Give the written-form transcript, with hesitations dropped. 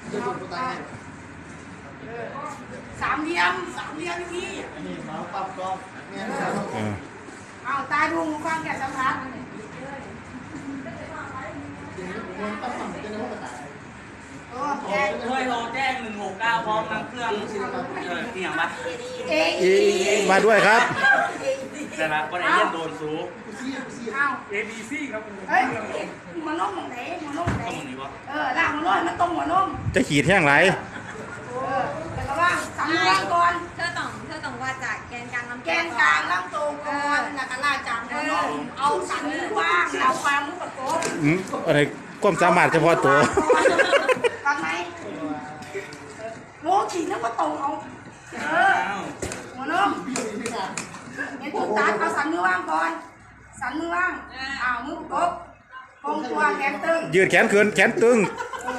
สามเหลี่ยมพี่เอาตาดูความแก่สัมผัสช่วยโทรแจ้ง169พร้อมนำเครื่องที่อย่างปะมาด้วยครับแต่ละประเด็นโดนซูเอา ABC ครับเฮ้ยมันนุ่มของไหนมันนุ่มไหนต้องอย่างนี้ปะล่างมันนุ่มมันตรงหัวนุ่มจะขีดแห้งไรแต่ก็ว่าสำรวจก่อนเธอต้องว่าจากแกนกลางลำแกนกลางลำตัวก่อนแล้วก็ลาจากหัวนุ่มเอาสันว่างเอาความมุกประกบอะไรความสามารถเฉพาะตัวฟังไหมโง่ขี่แล้วก็ตรงเอาหัวนุ่มเห็นจุดตัดเอาสันมือว่างก่อนสันมือว่างมือประกบคงตัวแขนตึงยืดแขนขึ้นแขนตึง